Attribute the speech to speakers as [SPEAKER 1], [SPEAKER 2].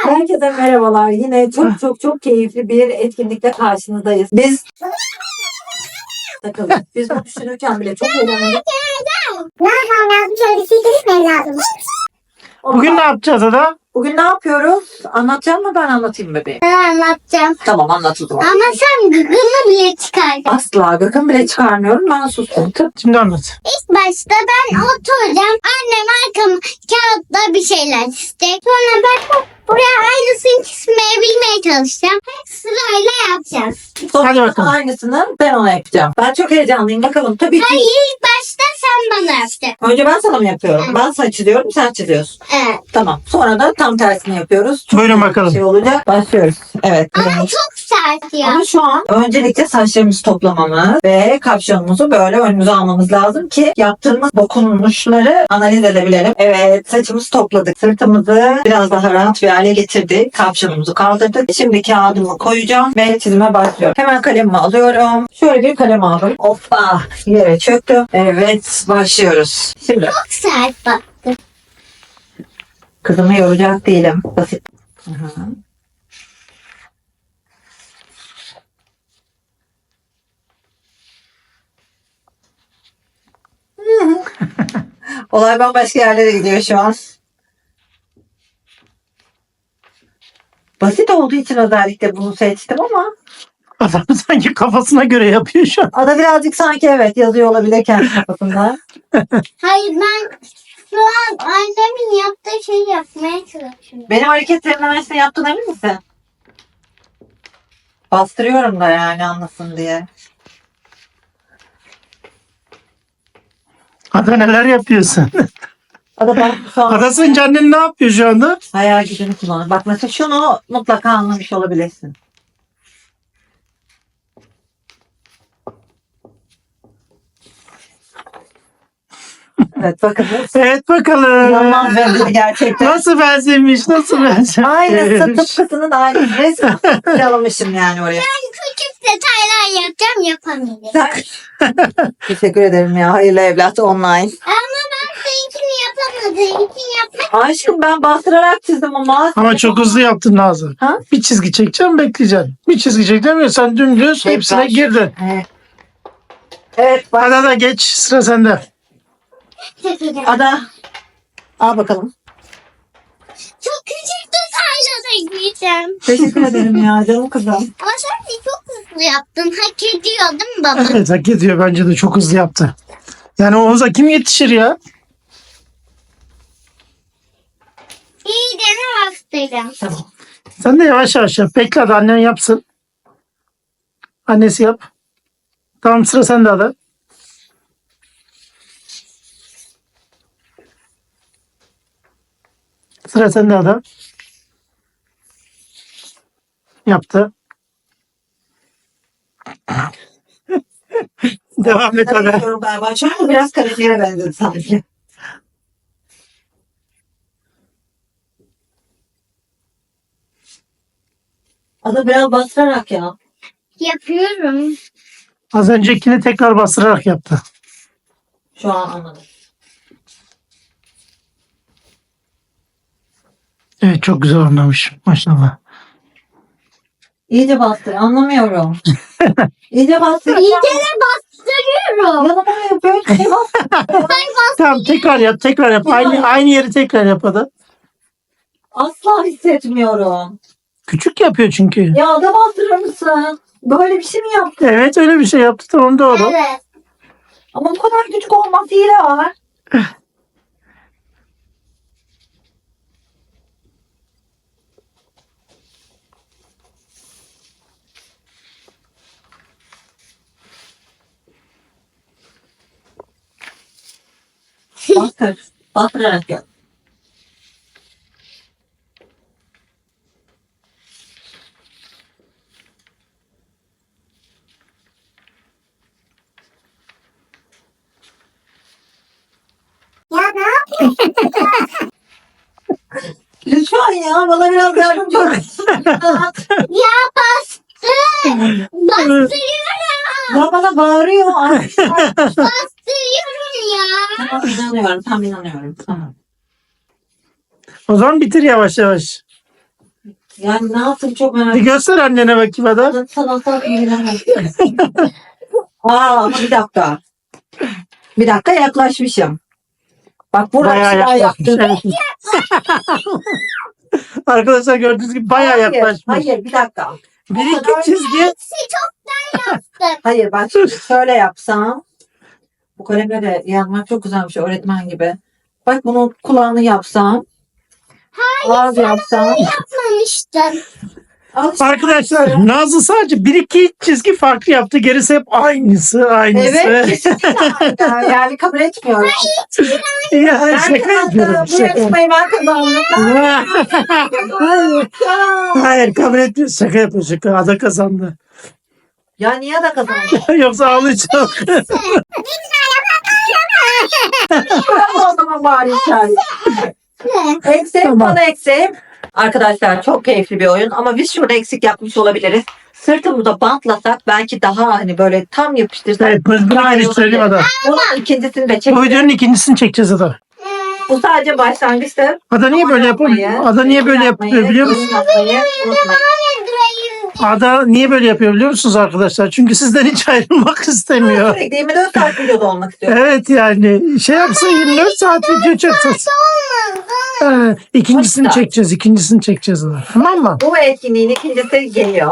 [SPEAKER 1] Herkese merhabalar. Yine çok keyifli bir etkinlikle karşınızdayız. Biz bu düşünürken bile çok eğlendik.
[SPEAKER 2] Ne yapmam lazım? Şöyle bir şey gitmem lazım.
[SPEAKER 3] Bugün ne yapacağız Ada?
[SPEAKER 1] Bugün ne yapıyoruz? Anlatacağım mı ben anlatayım bebeğim?
[SPEAKER 2] Ben anlatacağım.
[SPEAKER 1] Tamam anlatıldı.
[SPEAKER 2] Ama sen gıgını bile çıkardın.
[SPEAKER 1] Asla gıkım bile çıkarmıyorum. Ben sustum.
[SPEAKER 3] Şimdi anlat.
[SPEAKER 2] İlk başta ben oturacağım. Annem arkamı kağıtla bir şeyler isteyecek. Sonra ben buraya aynısını çizmeye çalışacağım. Hep sırayla yapacağız.
[SPEAKER 1] Sonra
[SPEAKER 3] Hadi bakalım.
[SPEAKER 1] aynısını ben ona yapacağım. Ben çok heyecanlıyım. Bakalım tabii ki.
[SPEAKER 2] Hayır, ilk başta sen bana yapacaksın.
[SPEAKER 1] Önce ben sana mı yapıyorum? Ben sana çiziyorum, sen çiziyorsun.
[SPEAKER 2] Evet.
[SPEAKER 1] Tamam. Sonra da tam tersini yapıyoruz. Çok
[SPEAKER 3] Buyurun
[SPEAKER 1] güzel bir
[SPEAKER 3] bakalım.
[SPEAKER 1] Şey olacak. Başlıyoruz. Evet.
[SPEAKER 2] Ama
[SPEAKER 1] evet.
[SPEAKER 2] çok sert ya.
[SPEAKER 1] Ama şu an öncelikle saçlarımızı toplamamız ve kapşonumuzu böyle önümüze almamız lazım ki yaptığımız dokunuşları analiz edebilelim. Evet, saçımızı topladık. Sırtımızı biraz daha rahat bir hale getirdik. Kapşonumuzu kaldırdık. Şimdi kağıdımı koyacağım ve çizime başlıyorum. Hemen kalemimi alıyorum. Şöyle bir kalem aldım. Hoppa, yere çöktüm. Evet, başlıyoruz. Şimdi
[SPEAKER 2] Çok sert bak.
[SPEAKER 1] kızımı yoracak değilim. Basit. Hı-hı. Olay bambaşka yerlere gidiyor şu an. Basit olduğu için özellikle bunu seçtim ama
[SPEAKER 3] Adam sanki kafasına göre yapıyor şu an.
[SPEAKER 1] Ada birazcık sanki evet yazıyor olabilir kendi kafasında.
[SPEAKER 2] Hayır, ben şu an annemin yaptığı şeyi yapmaya çalışıyorum.
[SPEAKER 1] Benim hareketlerimden aynısını yaptın emin misin? Bastırıyorum da yani anlasın diye.
[SPEAKER 3] Ada neler yapıyorsun?
[SPEAKER 1] Ada ben şu an
[SPEAKER 3] Ada sence annen ne yapıyor şu anda?
[SPEAKER 1] hayal gücünü kullanır. Bak mesela şunu mutlaka anlamış olabilirsin. Evet bakın.
[SPEAKER 3] Evet bakalım.
[SPEAKER 1] İnanılmaz benzedi gerçekten.
[SPEAKER 3] Nasıl benzemiş? Nasıl benzemiş?
[SPEAKER 1] Aynısı tıpkısının aynısı. Resmen yalamışım yani oraya.
[SPEAKER 2] Ben küçük detaylar yapacağım, yapamayacağım.
[SPEAKER 1] Teşekkür ederim ya. Hayırlı evlat online.
[SPEAKER 2] Ama ben seninkini yapamadığım için yapmak.
[SPEAKER 1] Aşkım ben bastırarak çizdim ama.
[SPEAKER 3] Ama çok hızlı yaptın Nazlı.
[SPEAKER 1] Ha?
[SPEAKER 3] Bir çizgi çekeceğim bekleyeceksin. Bir çizgi çekeceğim ya sen dümdüz hepsine girdin.
[SPEAKER 1] Evet. Evet bak.
[SPEAKER 3] Ada da geç sıra sende.
[SPEAKER 1] Ada. Al bakalım.
[SPEAKER 2] Çok küçük detaylar ekleyeceğim.
[SPEAKER 1] Teşekkür ederim ya canım kızım.
[SPEAKER 2] Ama sen de çok hızlı yaptın. Hak ediyor değil mi baba?
[SPEAKER 3] Evet hak ediyor bence de çok hızlı yaptı. Yani Oğuz'a kim yetişir ya?
[SPEAKER 2] İyi dene bastıracağım.
[SPEAKER 1] Tamam.
[SPEAKER 3] Sen de yavaş yavaş yap. Bekle hadi annen yapsın. Annesi yap. Tamam sıra sende Ada. Sıra sende Ada. Yaptı. Devam et Ada.
[SPEAKER 1] Yapıyorum galiba. Şu an biraz karaktere benzedi sanki. Ada biraz bastırarak ya.
[SPEAKER 2] Yapıyorum.
[SPEAKER 3] Az öncekini tekrar bastırarak yaptı.
[SPEAKER 1] Şu an anladım.
[SPEAKER 3] Evet çok güzel oynamış. Maşallah.
[SPEAKER 1] İyice bastır. Anlamıyorum. İyice bastır.
[SPEAKER 2] İyice de bastırıyorum.
[SPEAKER 1] Yanıma yapıyor. Şey bastır.
[SPEAKER 3] Tamam tekrar yap tekrar yap. Aynı yeri tekrar yap Ada.
[SPEAKER 1] Asla hissetmiyorum.
[SPEAKER 3] Küçük yapıyor çünkü.
[SPEAKER 1] Ya da bastırır mısın? Böyle bir şey mi yaptın?
[SPEAKER 3] Evet öyle bir şey yaptı tamam doğru.
[SPEAKER 2] Evet.
[SPEAKER 1] Ama bu kadar küçük olmaz hile var. Bastır. Bastırarak yap.
[SPEAKER 2] Ya ne yapıyorsun?
[SPEAKER 1] Lütfen ya bana biraz yardımcı ol.
[SPEAKER 2] Ya bastır. Bastırıyorum.
[SPEAKER 1] Ya bana bağırıyor. Ay,
[SPEAKER 2] Bastırıyorum ya.
[SPEAKER 1] tamam inanıyorum. Tam inanıyorum. Tamam.
[SPEAKER 3] O zaman bitir yavaş yavaş.
[SPEAKER 1] Yani ne yaptım çok merak
[SPEAKER 3] Bir
[SPEAKER 1] ettim.
[SPEAKER 3] göster annene bakayım hadi.
[SPEAKER 1] Sanatlar ilgilenemez. ama bir dakika. Bir dakika yaklaşmışım. Bak burada
[SPEAKER 3] Bayağı
[SPEAKER 1] bir şeyler
[SPEAKER 3] yaklaşmış.
[SPEAKER 1] yaptım.
[SPEAKER 3] Evet. Arkadaşlar gördüğünüz gibi bayağı yaklaşmış.
[SPEAKER 1] Hayır bir dakika.
[SPEAKER 3] Bir iki çizgi.
[SPEAKER 2] Hepsi çoktan yaptık.
[SPEAKER 1] Hayır bak şimdi şöyle yapsam. Bu kalemle de yazmak çok güzelmiş öğretmen gibi. Bak bunun kulağını yapsam. Ağız yapsam.
[SPEAKER 2] Yapmamıştım.
[SPEAKER 1] Al işte.
[SPEAKER 3] Arkadaşlar Nazlı sadece bir iki çizgi farklı yaptı. Gerisi hep aynısı.
[SPEAKER 1] Evet kesinlikle. Yani kabul etmiyorum.
[SPEAKER 3] Ya
[SPEAKER 1] Ben
[SPEAKER 3] şaka yapıyorum.
[SPEAKER 1] kazandım. Bu
[SPEAKER 3] Şaka.
[SPEAKER 1] yarışmayı ben kazandım.
[SPEAKER 3] Hayır. Hayır kabul etmiyor. Şaka yapıyor şaka. Ada kazandı.
[SPEAKER 1] Ya niye de kazandım?
[SPEAKER 3] Yoksa ağlayacağım.
[SPEAKER 1] o zaman bari içeride. Eksiğim
[SPEAKER 3] Tamam.
[SPEAKER 1] bana eksiğim. Arkadaşlar çok keyifli bir oyun ama biz şurada eksik yapmış olabiliriz. Sırtımıza bantlasak belki daha hani böyle tam yapıştırsak.
[SPEAKER 3] Evet, bunu
[SPEAKER 1] daha iyi
[SPEAKER 3] geliştirelim
[SPEAKER 1] olabilir.
[SPEAKER 3] Ada.
[SPEAKER 1] Bunun ikincisini de
[SPEAKER 3] Bu
[SPEAKER 1] çekeceğiz.
[SPEAKER 3] videonun ikincisini çekeceğiz Ada.
[SPEAKER 1] Bu sadece başlangıçtır.
[SPEAKER 3] Ada niye böyle yapıyor? Ada niye böyle yapıyor biliyor musun?
[SPEAKER 1] Yapmayı unutmayın.
[SPEAKER 3] Ada niye böyle yapıyor biliyor musunuz arkadaşlar? Çünkü sizden hiç ayrılmak istemiyor.
[SPEAKER 1] Sürekli 24 saat videoda olmak istiyorum.
[SPEAKER 3] Evet yani şey yapsa 24 saat video çeksin. İkincisini çekeceğiz. İkincisini çekeceğiz. Ada. Tamam mı?
[SPEAKER 1] Bu etkinliğin ikincisi geliyor.